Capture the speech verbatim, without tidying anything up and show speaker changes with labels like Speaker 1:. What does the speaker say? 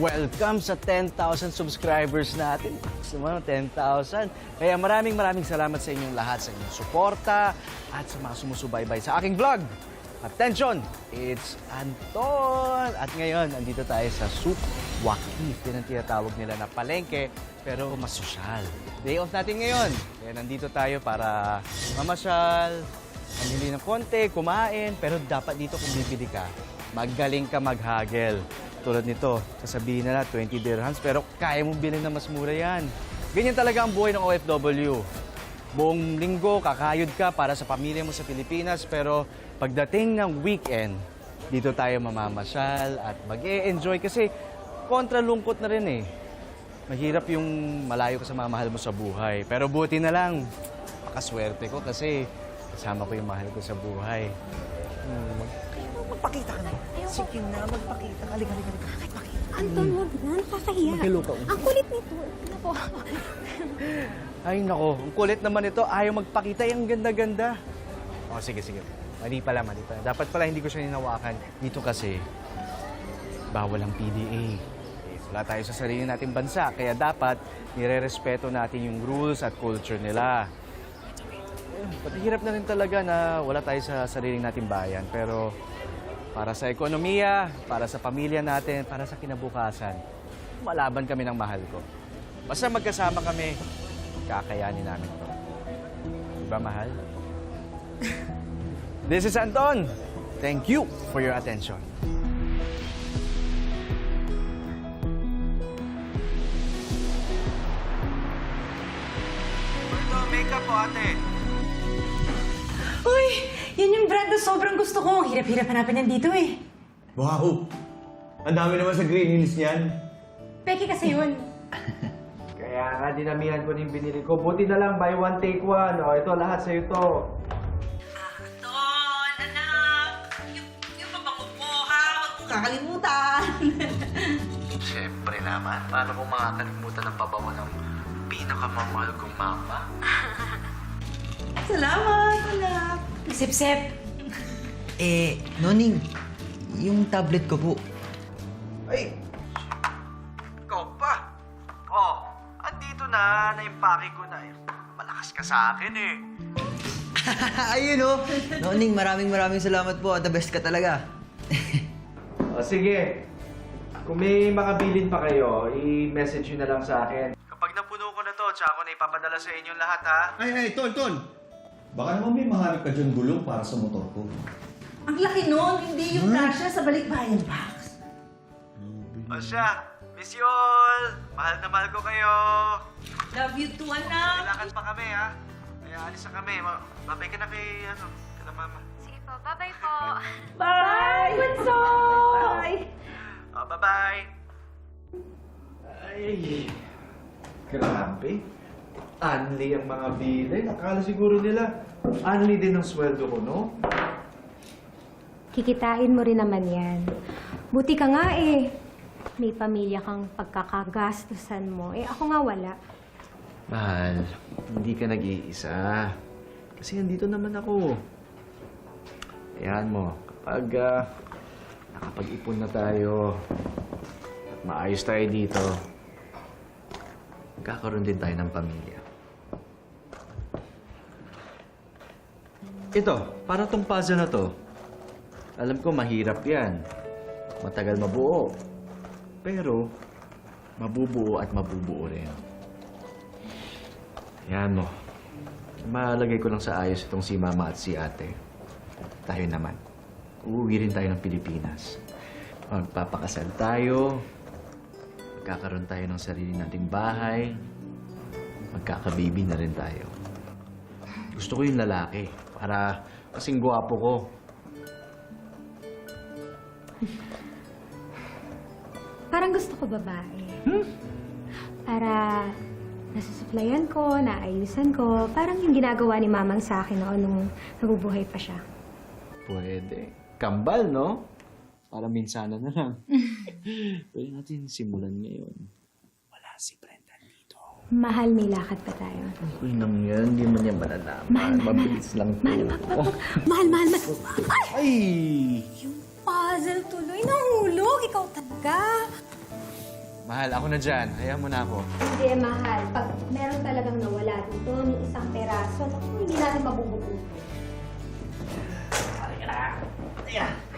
Speaker 1: welcome sa ten thousand subscribers natin. Gusto mo, ten thousand. Kaya maraming maraming salamat sa inyong lahat, sa inyong suporta at sa mga sumusubaybay sa aking vlog. Attention! It's Anton! At ngayon, andito tayo sa Souk Waqif. Yan ang tinatawag nila na palengke, pero mas sosyal. Day off natin ngayon. Kaya nandito tayo para mamasyal, mamili ng konti, kumain, pero dapat dito kung bibili ka, magaling ka maghagel. Tulad nito, sasabihin na na twenty dirhams, pero kaya mong bilhin na mas mura yan. Ganyan talaga ang buhay ng O F W. Buong linggo, kakayod ka para sa pamilya mo sa Pilipinas, pero pagdating ng weekend, dito tayo mamamasyal at mag-e-enjoy kasi kontra lungkot na rin eh. Mahirap yung malayo ka sa mamahal mo sa buhay. Pero buti na lang, makaswerte ko kasi kasama ko yung mahal ko sa buhay. Hmm.
Speaker 2: Magpakita ka na. Sige na, magpakita. Halika, halika, halika. Magpakita.
Speaker 3: Anton, wag na. Nakakahiya.
Speaker 1: Mag-hello ka.
Speaker 3: Ang kulit nito. Ano po?
Speaker 1: Ay, nako. Ang kulit naman ito. Ayaw magpakita. Ang ganda-ganda. O, sige, sige. Mali pala, mali pala. Dapat pala hindi ko siya ninawakan. Dito kasi, bawal ang P D A. Eh, wala tayo sa sarili nating bansa. Kaya dapat, nire-respeto natin yung rules at culture nila. Eh, patihirap na rin talaga na wala tayo sa sarili nating bayan. Pero para sa ekonomiya, para sa pamilya natin, para sa kinabukasan, malaban kami ng mahal ko. Basta magkasama kami, kakayanin namin to. Diba, mahal? This is Anton. Thank you for your attention. Ito, makeup po, ate.
Speaker 2: Uy, yan yung brand na sobrang gusto ko. Hirap-hirap hanapin yan dito eh.
Speaker 4: Wow! Ang dami naman sa Green Hills niyan.
Speaker 2: Peki kasi yun.
Speaker 1: Kaya nga, dinamihan ko din binili ko. Buti na lang, buy one, take one. O, ito, lahat sa'yo to.
Speaker 2: Anton, anak. Yung, yung mabango mo, ha? Huwag mo kakalimutan.
Speaker 5: Siyempre naman. Paano kung makakalimutan ng pabango ng pinakamamahal kong mama?
Speaker 2: Salamat, anak. Sip-sip.
Speaker 6: Eh, Noning, yung tablet ko po.
Speaker 1: Ay! Ikaw pa! Oh, andito na. Naimpake ko na. Malakas ka sa akin eh.
Speaker 6: Ayun oh! Noning, maraming maraming salamat po. The best ka talaga.
Speaker 1: O sige, kung may mga bilin pa kayo, i-message nyo na lang sa akin. Kapag napuno ko na to, tsaka ko na ipapadala sa inyong lahat, ha?
Speaker 4: Ay, ay, Ton, Ton! Baka naman may mahanap ka dyan gulong para sa motor ko.
Speaker 2: Ang laki nun, hindi yung kasya sa balikbayan box.
Speaker 1: O siya, miss you all! Mahal na mahal ko kayo!
Speaker 2: Love you too, anak.
Speaker 1: Kailangan pa kami, ha? Kaya alis na kami. Ma- Babay ka na kay, ano, kay mama.
Speaker 3: Sige po, bye-bye po.
Speaker 2: Bye! Bunso! Bye!
Speaker 1: Oh, bye-bye! Ay, grabe. Anli ang mga bilin. Akala siguro nila, anli din ang sweldo ko, no?
Speaker 3: Kikitain mo rin naman yan. Buti ka nga eh. May pamilya kang pagkakagastusan mo. Eh ako nga wala.
Speaker 1: Mahal, hindi ka nag-iisa. Kasi andito naman ako. Ayan mo, kapag uh, nakapag-ipon na tayo at maayos tayo dito, magkakaroon din tayo ng pamilya. Ito, para tong puzzle na to, alam ko mahirap yan. Matagal mabuo. Pero, mabubuo at mabubuo rin. Yan mo. Malagay ko lang sa ayos itong si Mama at si Ate. Tayo naman. Uuwi rin tayo ng Pilipinas. Magpapakasal tayo. Magkakaroon tayo ng sarili nating bahay. Magkakababy na rin tayo. Gusto ko yung lalaki. Para kasing gwapo ko.
Speaker 3: Parang gusto ko babae. Hmm? Para nasusuplayan ko, naayusan ko. Parang yung ginagawa ni Mamang sa akin noon nung nabubuhay pa siya.
Speaker 1: Pwede. Kambal, no? Para minsana na lang. Pwede natin simulan ngayon. Wala si Brenda dito.
Speaker 3: Mahal, may lakad pa tayo.
Speaker 1: Uy, nang yan. Hindi mo niya malalaman.
Speaker 3: Mahal, mahal,
Speaker 1: Mabilis lang to.
Speaker 3: Mahal, mahal, mahal, mahal, mahal, mahal. Ay!
Speaker 1: Ay!
Speaker 3: Yung puzzle tuloy nahulog. Ikaw talaga.
Speaker 1: Mahal, ako na dyan. Hayaan mo na ako.
Speaker 3: Hindi, mahal. Pag meron talagang nawala dito ng isang peraso, naku, hindi natin mabubuo.
Speaker 1: Halika na. Halika.